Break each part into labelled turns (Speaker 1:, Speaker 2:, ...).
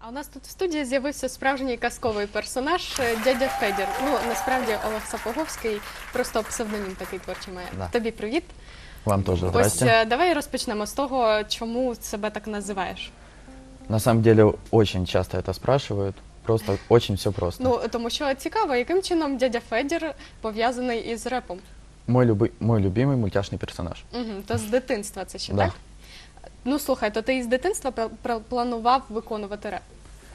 Speaker 1: А у нас тут в студії з'явився справжній казковий персонаж дядя Федір. Ну, насправді Олег Сапоговський, просто псевдонім такий творчий має.
Speaker 2: Да.
Speaker 1: Тобі привіт.
Speaker 2: Вам тоже
Speaker 1: Ось
Speaker 2: здрасте.
Speaker 1: давай розпочнемо з того, чому себе так називаєш.
Speaker 2: На самом деле очень часто это спрашивают. Просто очень все просто.
Speaker 1: Ну, тому що цікаво, яким чином дядя Федір пов'язаний із репом.
Speaker 2: Мой любимый мультяшный персонаж.
Speaker 1: Угу, то з дитинства це ще,
Speaker 2: Да.
Speaker 1: так? Ну, слухай, то ти із дитинства планував виконувати реп?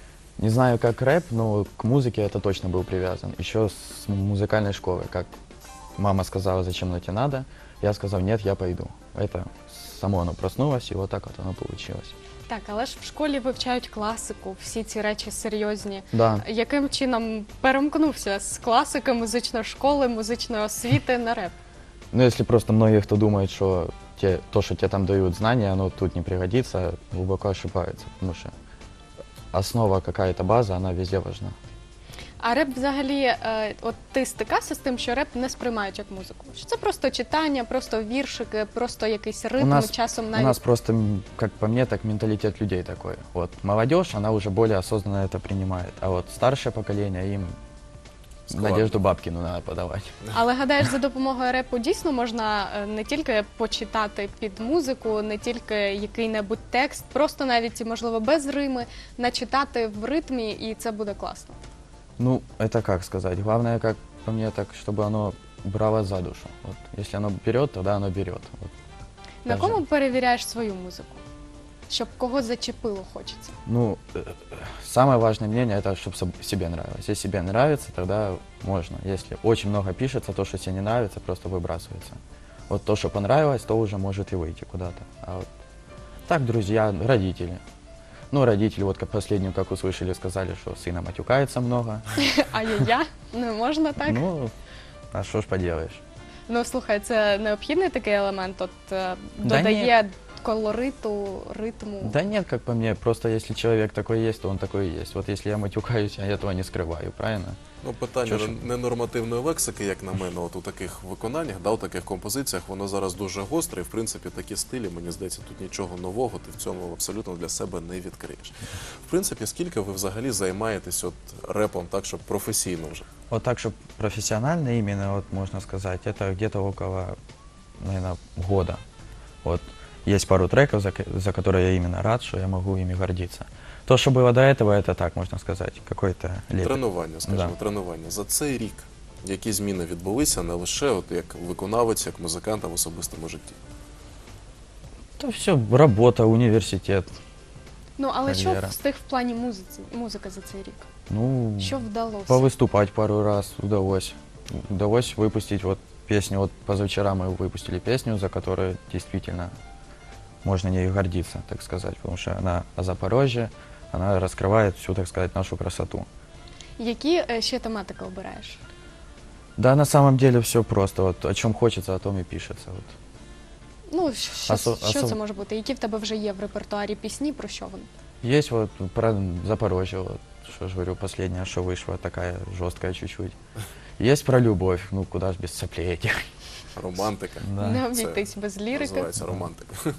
Speaker 2: Не знаю, как рэп, но к музыке это точно был привязан. Еще с музыкальной школы. Как мама сказала, зачем оно тебе надо, я сказал, нет, я пойду. Это само оно проснулось, и вот так вот оно получилось.
Speaker 1: Так, але ж в школі вивчають класику, всі ці речі серйозні.
Speaker 2: Да.
Speaker 1: Яким чином перемкнувся з класики, музичної школи, музичної освіти на реп?
Speaker 2: Ну, если просто многие, кто думает, что то, что тебе там дают знания, оно тут не пригодится, глубоко ошибается. Потому что основа, какая-то база, она везде важна.
Speaker 1: А реп взагалі, от ти стикався з тим, що реп не сприймають як музику? Що це просто читання, просто віршики, просто якийсь ритм, часом
Speaker 2: У
Speaker 1: навіть...
Speaker 2: нас просто, как по мне, так менталитет людей такой. Вот молодежь, она уже более осознанно это принимает, а вот старшее поколение, им Надежду Бабкину надо подавать.
Speaker 1: Але гадаєш, за допомогою репу дійсно можна не тільки почитати під музику, не тільки який-небудь текст, просто навіть, можливо, без рими, начитати в ритмі, і це буде класно.
Speaker 2: Ну, это как сказать. Главное, как по мне, так, чтобы оно брало за душу. Вот, если оно берет, тогда оно берет. Вот.
Speaker 1: На
Speaker 2: Даже-
Speaker 1: кому перевіряєш свою музику? Щоб кого зачепило хочеться.
Speaker 2: Ну, самое важное мнение, это чтобы себе нравилось. Если себе нравится, тогда можно. Если очень много пишется, то, что себе не нравится, просто выбрасывается. Вот то, что понравилось, то уже может и выйти куда-то. А вот так, друзья, родители. Ну, родители, вот как последнюю, как услышали, сказали, что сына матюкается много.
Speaker 1: Ай-яй-я, не можна так?
Speaker 2: Ну, а что ж поделаешь.
Speaker 1: Ну, слухай, це необхідний такий елемент, от
Speaker 2: Да
Speaker 1: додає колориту, ритму.
Speaker 2: Да нет, как по мне, просто если человек такой есть, то он такой и есть. Вот если я матюкаюсь, я этого не скрываю, правильно?
Speaker 3: Ну, питання
Speaker 2: Що ж?
Speaker 3: ненормативної лексики, як на мене, от у таких виконаннях, да, у таких композиціях, воно зараз дуже гостре, і, в принципі, такі стилі, мені здається, тут нічого нового ти в цьому абсолютно для себе не відкриєш. В принципі, скільки ви взагалі займаєтесь от репом так, щоб професійно вже?
Speaker 2: Вот так, чтобы профессионально именно, вот можно сказать, это где-то около, наверное, года. Вот есть пару треков, за которые я именно рад, что я могу ими гордиться. То, что было до этого, это так, можно сказать, какой-то лепет.
Speaker 3: Тренування, скажімо,
Speaker 2: Да.
Speaker 3: тренування. За цей рік які зміни відбулися не лише от як виконавець, як музикант, а в особистому житті?
Speaker 2: Это все работа, университет.
Speaker 1: Ну, але що
Speaker 2: кар'єра.
Speaker 1: встиг в плані музики за цей рік?
Speaker 2: Ну,
Speaker 1: Що вдалося?
Speaker 2: повыступать пару раз удалось. Удалось выпустить вот песню. Вот позавчера мы выпустили песню, за которую действительно можно ею гордиться, так сказать, потому что она о Запорожье, она раскрывает всю, так сказать, нашу красоту.
Speaker 1: Які ще тематики обираєш?
Speaker 2: Да, на самом деле все просто. Вот о чем хочется, о том и пишется. Вот.
Speaker 1: Ну, що це
Speaker 2: Осо-
Speaker 1: може бути? Які в тебе вже є в репертуарі пісні, про що вони?
Speaker 2: Есть вот про Запорожье, вот, что ж говорю, последняя, что вышла, такая жесткая чуть-чуть. Есть про любовь, ну куда ж без соплей этих.
Speaker 3: Романтика.
Speaker 2: Да.
Speaker 1: Не
Speaker 3: Це
Speaker 1: обійтись без лірики.
Speaker 3: називається романтика.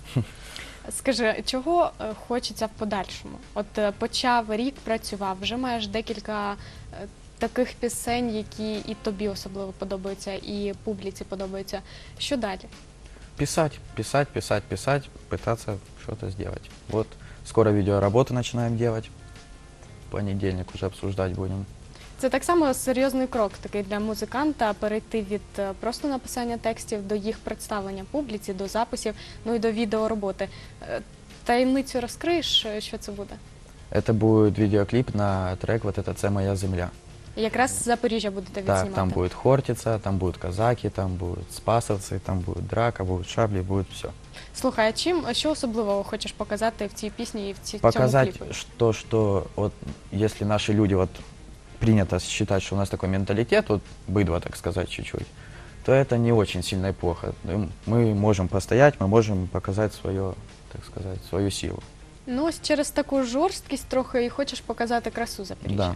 Speaker 1: Скажи, чого хочеться в подальшому? От почав рік, працював, вже маєш декілька таких пісень, які і тобі особливо подобаються, і публіці подобаються. Що далі?
Speaker 2: Писать, писать, писать, писать, пытаться что-то сделать. Вот скоро видеоработу начинаем делать. В понедельник уже обсуждать будем.
Speaker 1: Це так само серйозний крок такий для музиканта перейти від просто написання текстів до їх представлення публіці, до записів, ну і до відеороботи. Таємницю розкриєш, що це буде?
Speaker 2: Это будет видеоклип на трек вот это «Це моя земля».
Speaker 1: Якраз з Запоріжжя будете
Speaker 2: Так,
Speaker 1: відзнімати.
Speaker 2: там будет Хортица, там будут казаки, там будут спасовцы, там будет драка, будут шабли, будет все.
Speaker 1: Слухай, а що особливого хочеш показати в цій пісні і в цьому
Speaker 2: Показать,
Speaker 1: кліпі?
Speaker 2: что вот если наши люди, вот принято считать, что у нас такой менталитет, вот быдло, так сказать, чуть-чуть, то это не очень сильно и плохо. Мы можем постоять, мы можем показать свое, так сказать, свою силу.
Speaker 1: Ну, ось через таку жорсткість трохи і хочеш показати красу Запоріжжя.
Speaker 2: Да.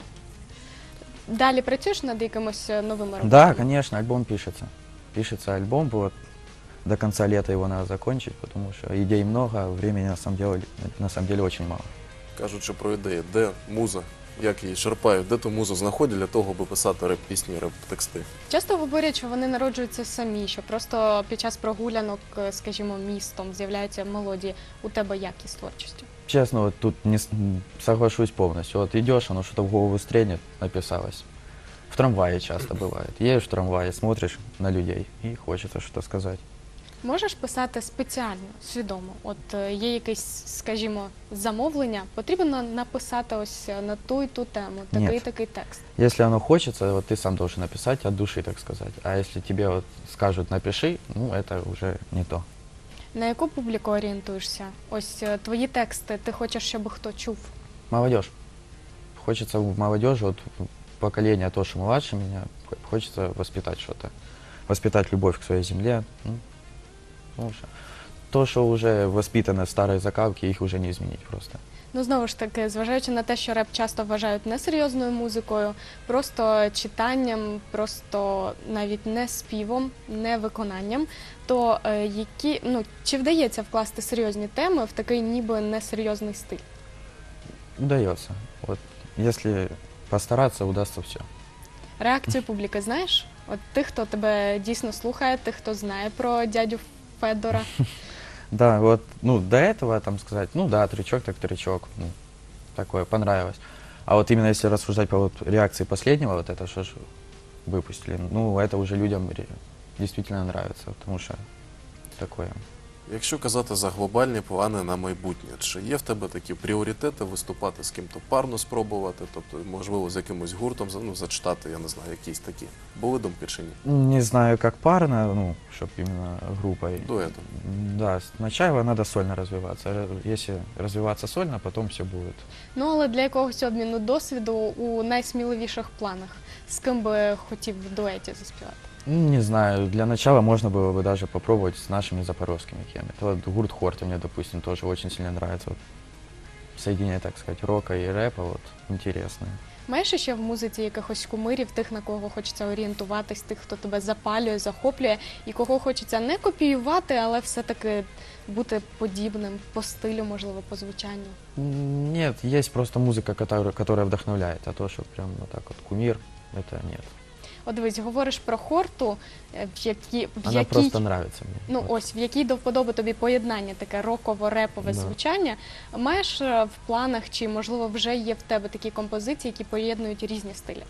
Speaker 1: Далі працюєш над якимось новими роботами?
Speaker 2: Да, конечно, альбом пишется. Пишется альбом, вот до конца лета его надо закончить, потому что идей много, а времени на самом деле очень мало.
Speaker 3: Кажучи про ідеї, де муза, як її черпають, де ту музу знаходять для того, аби писати реп-пісні, реп-тексти?
Speaker 1: Часто говорять, що вони народжуються самі, що просто під час прогулянок, скажімо, містом з'являються мелодії. У тебе як із творчістю?
Speaker 2: Честно, вот тут не соглашусь полностью. Вот идешь, оно что-то в голову стрельнет, написалось. В трамвае часто бывает. Едешь в трамвае, смотришь на людей и хочется что-то сказать.
Speaker 1: Можеш писати спеціально, свідомо? От є якесь, скажімо, замовлення, потрібно написати ось на ту і ту тему, такий
Speaker 2: Ні.
Speaker 1: і такий текст.
Speaker 2: Если оно хочется, вот ты сам должен написать от души, так сказать. А если тебе вот скажут напиши, ну это уже не то.
Speaker 1: На яку публіку орієнтуєшся? Ось твої тексти, ти хочеш, щоб хто чув?
Speaker 2: Молодежь. Хочется в молодежи, вот поколение то, что младше меня, хочется воспитать что-то. Воспитать любовь к своей земле. Ну, уже. То, что уже воспитано в старой закалке, их уже не изменить просто.
Speaker 1: Ну, знову ж таки, зважаючи на те, що реп часто вважають несерйозною музикою, просто читанням, просто навіть не співом, не виконанням, то чи вдається вкласти серйозні теми в такий ніби несерйозний стиль?
Speaker 2: Удается. Вот, если постараться, удастся все.
Speaker 1: Реакцію публіки знаєш? От тих, хто тебе дійсно слухає, тих, хто знає про дядю Федора.
Speaker 2: Да, вот, ну, до этого, там сказать, ну да, трючок так трючок, ну, такое, понравилось. А вот именно если рассуждать по вот реакции последнего, вот это что ж выпустили, ну, это уже людям действительно нравится, потому что такое.
Speaker 3: Якщо казати за глобальні плани на майбутнє, чи є в тебе такі пріоритети виступати з ким-то парно спробувати, тобто, можливо, з якимось гуртом, ну, зачитати, я не знаю, якісь такі? Були думки чи ні?
Speaker 2: Не знаю, как парно, ну, чтобы именно группой.
Speaker 3: Дуетом.
Speaker 2: Да, сначала надо сольно развиваться. Если развиваться сольно, потом все будет.
Speaker 1: Ну, але для якогось обміну досвіду у найсміливіших планах з ким би хотів в дуеті заспівати?
Speaker 2: Не знаю, для начала можно было бы даже попробовать с нашими запорожскими кем. Это вот гурт Хорта мне, допустим, тоже очень сильно нравится. Вот соединение, так сказать, рока и рэпа, вот, интересное.
Speaker 1: Маєш ще в музиці якихось кумирів, тих, на кого хочеться орієнтуватись, тих, хто тебе запалює, захоплює, і кого хочеться не копіювати, але все-таки бути подібним по стилю, можливо, по звучанню?
Speaker 2: Нет, есть просто музыка, которая вдохновляет, а то, что прям вот так вот кумир, это нет.
Speaker 1: От дивись, говориш про Хорту,
Speaker 2: Она
Speaker 1: якій,
Speaker 2: просто нравится мне.
Speaker 1: ну
Speaker 2: Вот.
Speaker 1: ось, в якій до вподоби тобі поєднання, таке роково-репове
Speaker 2: Да.
Speaker 1: звучання. Маєш в планах, чи, можливо, вже є в тебе такі композиції, які поєднують різні стилі?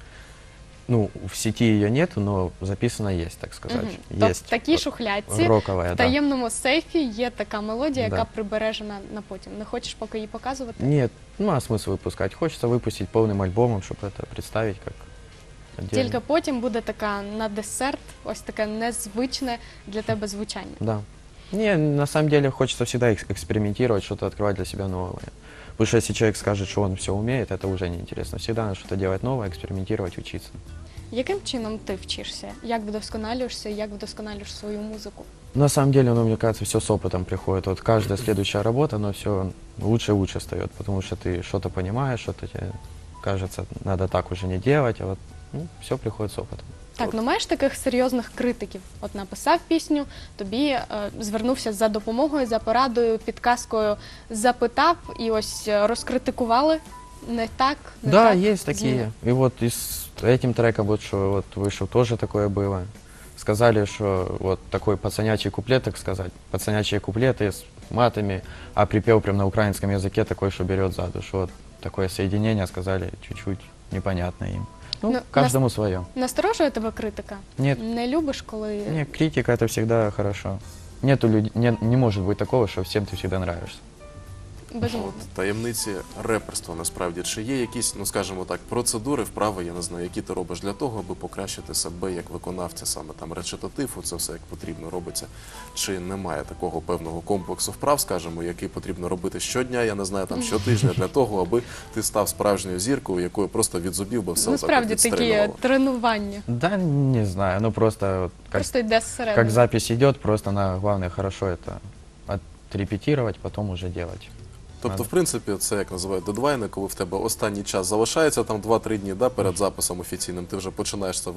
Speaker 2: Ну, в сети ее нету, но записано есть, так сказать.
Speaker 1: Мгм. Тобто
Speaker 2: Есть
Speaker 1: в такій шухлядці,
Speaker 2: роковая,
Speaker 1: в
Speaker 2: да.
Speaker 1: таємному сейфі є така мелодія,
Speaker 2: Да.
Speaker 1: яка прибережена на потім. Не хочеш поки її показувати?
Speaker 2: Нет, ну а смысл выпускать? Хочется выпустить полным альбомом, чтобы это представить как отдельно.
Speaker 1: Тільки потім буде така на десерт, ось таке незвичне для тебе звучання.
Speaker 2: Да. Не, на самом деле хочется всегда экспериментировать, что-то открывать для себя новое. Потому что если человек скажет, что он все умеет, это уже неинтересно. Всегда надо что-то делать новое, экспериментировать, учиться.
Speaker 1: Яким чином ти вчишся? Як вдосконалюєшся, як вдосконалюєш свою музику?
Speaker 2: На самом деле, ну, мне кажется, все с опытом приходит. Вот каждая следующая работа, оно все лучше и лучше встает, потому что ты что-то понимаешь, что-то тебе кажется, надо так уже не делать, а вот все приходит с опытом.
Speaker 1: Так, ну маєш таких серйозних критиків? От написав пісню, тобі звернувся за допомогою, за порадою, підказкою, запитав і ось розкритикували не так, не
Speaker 2: Да,
Speaker 1: так.
Speaker 2: есть такие. И вот и с этим треком, вот что вот вышел, тоже такое было. Сказали, что вот такой пацанячий куплет, так сказать, пацанячие куплеты с матами, а припев прям на украинском языке такой, что берет за душу. Вот такое соединение, сказали, чуть-чуть непонятно им. Ну, каждому свое.
Speaker 1: Насторожує тебе критика?
Speaker 2: Нет,
Speaker 1: Не любиш, коли...
Speaker 2: не, критика это всегда хорошо. Нету людей, не может быть такого, что всем ты всегда нравишься.
Speaker 1: Безумовно.
Speaker 3: От, таємниці реперства насправді. Чи є якісь, ну скажімо так, процедури, вправи, я не знаю, які ти робиш для того, аби покращити себе як виконавця, саме там речитатив, це все як потрібно робиться. Чи немає такого певного комплексу вправ, скажімо, який потрібно робити щодня, я не знаю, там щотижня, для того, аби ти став справжньою зіркою, якою просто від зубів би все
Speaker 1: Ну,
Speaker 3: отак
Speaker 1: справді
Speaker 3: от
Speaker 1: такі
Speaker 3: відстрелювало?
Speaker 1: тренування.
Speaker 2: Да, не знаю, ну просто вот
Speaker 1: Просто йде зсередини.
Speaker 2: как запись идет, просто главное хорошо это отрепетировать, потом уже делать.
Speaker 3: Тобто, в принципі, це як називають дедвайни, коли в тебе останній час залишається там 2-3 дні, да, перед записом офіційним, ти вже починаєш це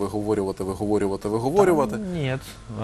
Speaker 3: виговорювати.
Speaker 2: Нет,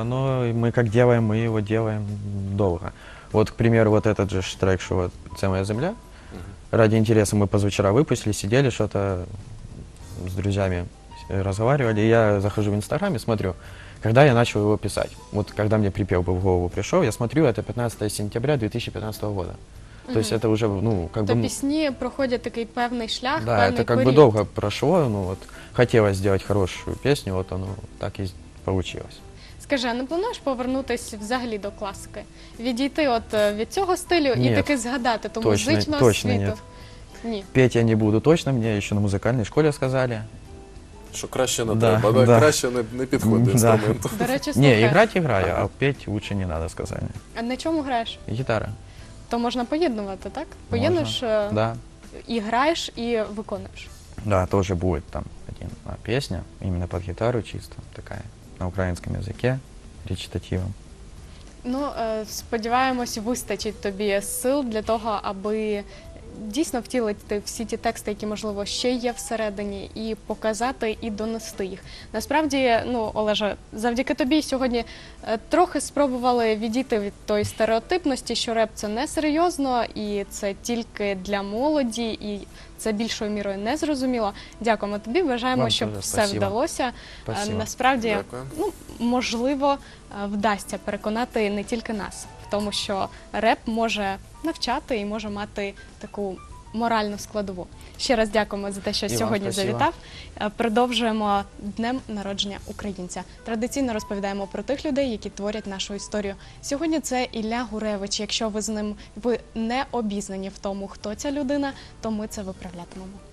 Speaker 2: мы как делаем, мы его делаем долго. Вот, к примеру, вот этот же трек, что вот «Це моя земля», Ради интереса мы позавчера выпустили, сидели, что-то с друзьями разговаривали. И я захожу в Инстаграм и смотрю, когда я начал его писать. Вот когда мне припев бы в голову пришел, я смотрю, это 15 сентября 2015 года. То есть это уже, ну, как
Speaker 1: То
Speaker 2: бы...
Speaker 1: пісні проходять такий певний шлях,
Speaker 2: Да,
Speaker 1: певний
Speaker 2: это как бы
Speaker 1: період.
Speaker 2: долго прошло, ну вот хотелось сделать хорошую песню, вот оно так и получилось.
Speaker 1: Скажи, а не плануєш повернутися взагалі до класики? Відійти от від цього стилю і
Speaker 2: Ні.
Speaker 1: таки згадати ту
Speaker 2: Точно-
Speaker 1: музичну
Speaker 2: точно
Speaker 1: освіту?
Speaker 2: нет.
Speaker 1: Ні.
Speaker 2: Петь я не буду точно, мне еще на музыкальной школе сказали.
Speaker 3: Що краще не
Speaker 2: Да,
Speaker 3: треба,
Speaker 2: да.
Speaker 3: краще не підходить до
Speaker 2: Да.
Speaker 3: інструменту.
Speaker 1: До речі,
Speaker 2: Не,
Speaker 1: слухай,
Speaker 2: играть играю, а петь лучше не надо, сказали.
Speaker 1: а на чому граєш?
Speaker 2: Гитара.
Speaker 1: То можна поєднувати, так? Поєднуєш
Speaker 2: Да.
Speaker 1: і граєш, і виконуєш.
Speaker 2: Да, тоже будет там одна песня, именно под гитару чисто, такая, на украинском языке, речитативом.
Speaker 1: Ну, сподіваємось, вистачить тобі сил для того, аби дійсно втілити всі ті тексти, які, можливо, ще є всередині, і показати, і донести їх. Насправді, ну, Олеже, завдяки тобі сьогодні трохи спробували відійти від тої стереотипності, що реп – це несерйозно, і це тільки для молоді, і це більшою мірою незрозуміло. Дякуємо тобі, бажаємо,
Speaker 2: Вам
Speaker 1: щоб
Speaker 2: теж
Speaker 1: все
Speaker 2: спасибо.
Speaker 1: вдалося.
Speaker 2: Спасибо.
Speaker 1: Насправді,
Speaker 3: Дякую.
Speaker 1: ну, можливо, вдасться переконати не тільки нас в тому, що реп може навчати і може мати таку моральну складову. Ще раз дякуємо за те, що
Speaker 2: І вам
Speaker 1: сьогодні
Speaker 2: спасибо.
Speaker 1: завітав. Продовжуємо днем народження українця. Традиційно розповідаємо про тих людей, які творять нашу історію. Сьогодні це Ілля Гуревич. Якщо ви з ним не обізнані в тому, хто ця людина, то ми це виправлятимемо.